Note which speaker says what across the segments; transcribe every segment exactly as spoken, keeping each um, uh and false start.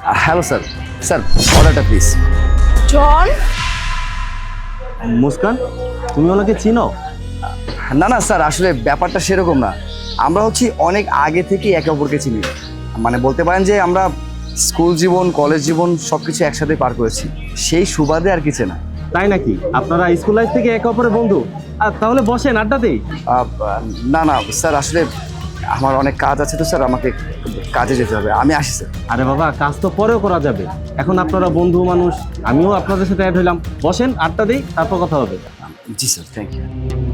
Speaker 1: Hello sir sir অর্ডারটা please.
Speaker 2: John,
Speaker 3: Muskan, তুমি ওনাকে চিনো?
Speaker 1: না না স্যার, আসলে ব্যাপারটা সেরকম না। আমরা হচ্ছি অনেক আগে থেকেই একে অপরকে চিনি, মানে বলতে পারেন যে আমরা স্কুল জীবন কলেজ জীবন সব কিছু একসাথে পার করেছি, সেই সুবাদে আর কিছু না।
Speaker 3: তাই নাকি? আপনারা স্কুল লাইফ থেকে একে অপরের বন্ধু? আর তাহলে বসেন, আড্ডা দেই।
Speaker 1: আহ, না না স্যার, আসলে আমার অনেক কাজ আছে তো স্যার, আমাকে কাজে যেতে হবে, আমি আসি স্যার।
Speaker 3: আরে বাবা, কাজ তো পরেও করা যাবে, এখন আপনারা বন্ধু মানুষ, আমিও আপনাদের সাথে অ্যাড হইলাম। বসেন, আড্ডা দেই, তারপর কথা হবে।
Speaker 1: জি স্যার, থ্যাংক ইউ।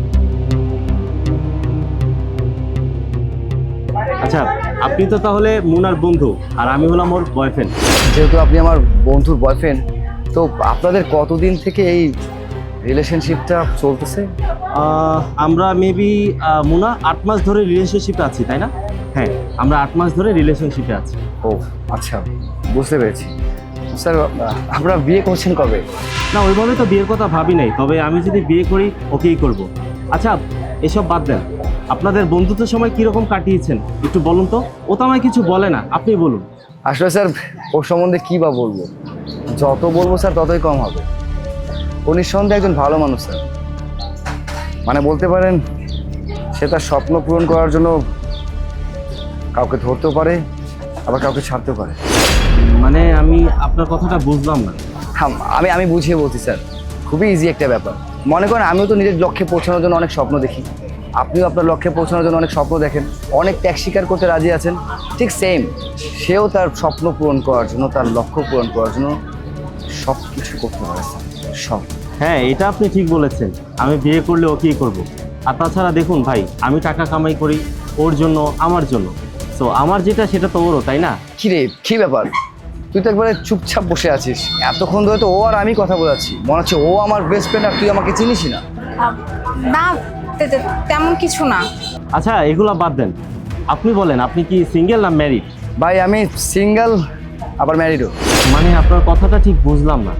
Speaker 3: আচ্ছা, আপনি তো তাহলে মুনার বন্ধু আর আমি হলাম ওর বয়ফ্রেন্ড।
Speaker 1: যেহেতু আপনি আমার বন্ধুর বয়ফ্রেন্ড, তো আপনাদের কতদিন থেকে এই রিলেশনশিপটা চলতেছে?
Speaker 3: আমরা মেবি মুনা আট মাস ধরে রিলেশনশিপে আছি, তাই না? হ্যাঁ, আমরা আট মাস ধরে রিলেশনশিপে আছি।
Speaker 1: ও আচ্ছা, বুঝতে পেরেছি। স্যার আপনারা বিয়ে করছেন কবে?
Speaker 3: না, ওইভাবে তো বিয়ের কথা ভাবি নাই, তবে আমি যদি বিয়ে করি ওকেই করব। আচ্ছা, এসব বাদ দেন, আপনাদের বন্ধুত্বের সময় কীরকম কাটিয়েছেন একটু বলুন তো। ও তো আমায় কিছু বলে না, আপনি বলুন।
Speaker 1: আসলে স্যার ওর সম্বন্ধে কী বা বলবো, যত বলবো স্যার ততই কম হবে। ও নিঃসন্দেহে একজন ভালো মানুষ স্যার, মানে বলতে পারেন সে তার স্বপ্ন পূরণ করার জন্য কাউকে ধরতেও পারে, আবার কাউকে ছাড়তেও পারে।
Speaker 3: মানে আমি আপনার কথাটা বুঝলাম না।
Speaker 1: হ্যাঁ, আমি আমি বুঝিয়ে বলছি স্যার, খুবই ইজি একটা ব্যাপার। মনে করেন আমিও তো নিজের লক্ষ্যে পৌঁছানোর জন্য অনেক স্বপ্ন দেখি, আপনিও আপনার লক্ষ্যে পৌঁছানোর জন্য অনেক স্বপ্ন দেখেন, অনেক ত্যাগ স্বীকার করতে রাজি আছেন। ঠিক সেম, সেও তার স্বপ্ন পূরণ করার জন্য, তার লক্ষ্য পূরণ করার জন্য সব কিছু করতে পারে স্যার, সব।
Speaker 3: হ্যাঁ, এটা আপনি ঠিক বলেছেন, আমি বিয়ে করলে ওকেই করব। আর তাছাড়া দেখুন ভাই, আমি টাকা কামাই করি ওর জন্য, আমার জন্য, সো আমার যেটা সেটা তো ওরও, তাই না?
Speaker 1: কী রে, কী ব্যাপার, তুই তো একবারে চুপচাপ বসে আছিস, এতক্ষণ ধরে তো ও আর আমি কথা বলাচ্ছি, মনে হচ্ছে ও আমার বেস্ট ফ্রেন্ড আর তুই আমাকে চিনিসই না।
Speaker 2: আহ, না, তে- তে- তেমন কিছু না।
Speaker 3: আচ্ছা, এগুলো বাদ দেন, আপনি বলেন আপনি কি সিঙ্গেল না ম্যারিড?
Speaker 1: ভাই আমি সিঙ্গেল, আবার ম্যারিডও।
Speaker 3: মানে আপনার কথাটা ঠিক বুঝলাম না।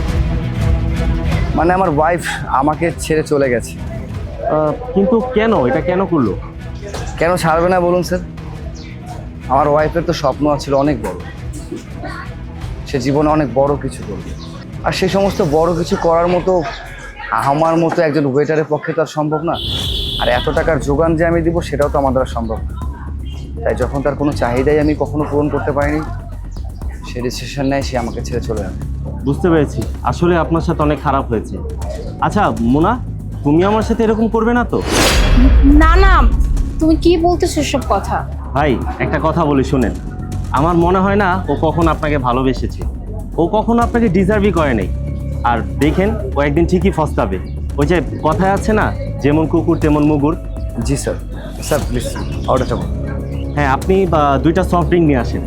Speaker 1: মানে আমার ওয়াইফ আমাকে ছেড়ে চলে গেছে।
Speaker 3: আহ, কিন্তু কেন, এটা কেন করলো?
Speaker 1: কেন ছাড়বে না বলুন স্যার? আমার ওয়াইফের তো স্বপ্ন ছিল অনেক বড়, সে জীবনে অনেক বড় কিছু করবে, আর সে সমস্ত বড় কিছু করার মতো আমার মতো একজন ওয়েটারের পক্ষে তো আর সম্ভব না। আর এত টাকার যোগান যে আমি দিব সেটাও তো আমার দ্বারা সম্ভব না। তাই যখন তার কোনো চাহিদাই আমি কখনো পূরণ করতে পারিনি, সে ডিসিশন নেয় সে আমাকে ছেড়ে চলে যাবে।
Speaker 3: বুঝতে পেরেছি, আসলে আপনার সাথে অনেক খারাপ হয়েছে। আচ্ছা মুনা, তুমি আমার সাথে এরকম করবে না তো?
Speaker 2: না না, তুমি কি বলতেছো সব কথা?
Speaker 3: ভাই, একটা কথা বলি শুনেন, আমার মনে হয় না ও কখনো আপনাকে ভালোবেসেছে, ও কখনো আপনাকে ডিজার্ভই করে নাই। আর দেখেন, ও একদিন ঠিকই ফস্তাবে। ওই যে কথায় আছে না, যেমন কুকুর তেমন মুগুর।
Speaker 1: জি স্যার। স্যার প্লিজ অর্ডারটা বলুন।
Speaker 3: হ্যাঁ, আপনি বা দুইটা সফট ড্রিঙ্ক নিয়ে আসেন।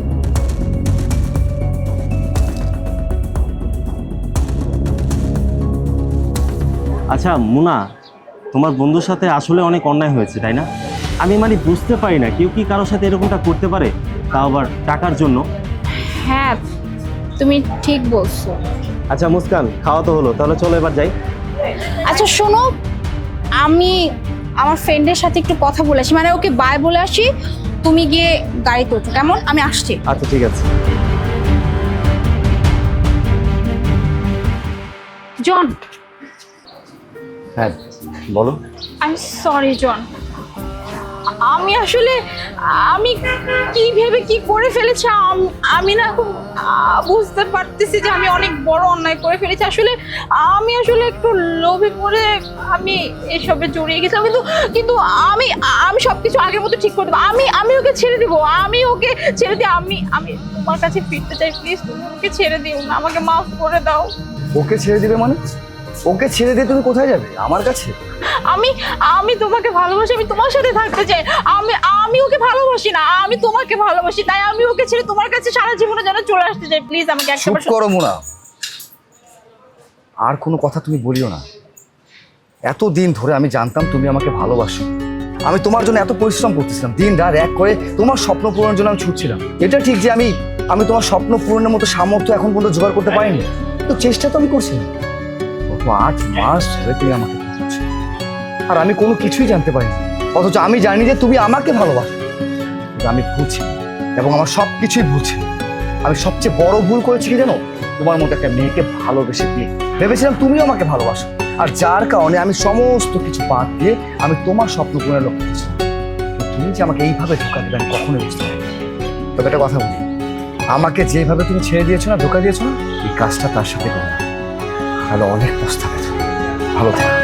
Speaker 3: আচ্ছা মুনা, তোমার বন্ধুর সাথে আসলে অনেক অন্যায় হয়েছে, তাই না? আমি মানে বুঝতে পারি না, কেউ কি কারোর সাথে এরকমটা করতে পারে, তাও আবার টাকার জন্য?
Speaker 2: হ্যাঁ, তুমি ঠিক বলছো।
Speaker 3: আচ্ছা মুস্কান, খাওয়া তো হলো, তাহলে চলো এবার যাই।
Speaker 2: আচ্ছা শোনো, আমি আমার ফ্রেন্ডের সাথে একটু কথা বলে আসি, মানে ওকে বাই বলে আসি, তুমি গিয়ে গাড়িতে ওঠো, কেমন? আমি আসছি।
Speaker 3: আচ্ছা ঠিক আছে।
Speaker 2: জন,
Speaker 1: হ্যাঁ বলো।
Speaker 2: আই সরি জন, আমি আসলে আমি কি ভেবে কি করে ফেলেছি, আম- আমি না এখন আহ, বুঝতে পারতেছি যে আমি অনেক বড় অন্যায় করে ফেলেছি। আসলে আমি আসলে একটু লোভে পড়ে আমি এসবে জড়িয়ে গেছিলাম, কিন্তু কিন্তু আমি আমি সবকিছু আগের মতো ঠিক করে দেবো। আমি আমি ওকে ছেড়ে দিব, আমি ওকে ছেড়ে দিই। আমি আমি তোমার কাছে ফিরতে চাই, প্লিজ তুমি ওকে ছেড়ে দিও না, আমাকে মাফ করে দাও।
Speaker 1: ওকে ছেড়ে দিবে মানে? ওকে ছেড়ে দিয়ে তুমি কোথায় যাবে? আমার কাছে?
Speaker 2: আমি আমি তোমাকে ভালোবাসি, আমি তোমার সাথে থাকতে চাই। আমি আমি ওকে ভালোবাসি না, আমি তোমাকে ভালোবাসি, তাই আমি ওকে ছেড়ে তোমার কাছে সারা জীবনে যেন চলে আসতে চাই। প্লিজ আমাকে
Speaker 1: চুপ
Speaker 2: একবার
Speaker 1: করো মুনা, আর কোনো কথা তুমি বলিও না। এতদিন ধরে আমি জানতাম তুমি আমাকে ভালোবাসো, আমি তোমার জন্য এত পরিশ্রম করতেছিলাম, দিন রাত এক করে তোমার স্বপ্ন পূরণের জন্য আমি ছুটছিলাম। এটা ঠিক যে আমি আমি তোমার স্বপ্ন পূরণের মতো সামর্থ্য এখন পর্যন্ত জোগাড় করতে পারিনি, তো চেষ্টা তো আমি করছি। গত আট মাস ধরে তুমি আমাকে ভালোবাসো, আর আমি কোনো কিছুই জানতে পারিনি, অথচ আমি জানি যে তুমি আমাকে ভালোবাসো। কিন্তু আমি ভুলছি এবং আমার সব কিছুই ভুলছি। আমি সবচেয়ে বড় ভুল করেছি কি জানো, তোমার মতো একটা মেয়েকে ভালোবেসে দিয়ে ভেবেছিলাম তুমিও আমাকে ভালোবাসো, আর যার কারণে আমি সমস্ত কিছু বাদ দিয়ে আমি তোমার স্বপ্ন পূরণের লক্ষ্য করেছি। তুমি যে আমাকে এইভাবে ধোকা দেবে আমি কখনোই বুঝতে পারিনি। তবে একটা কথা বলি, আমাকে যেভাবে তুমি ছেড়ে দিয়েছো না, ধোকা দিয়েছো না, এই কাজটা তার সাথে করো না, তাহলে অনেক পস্তাবে। ভালো থাকো।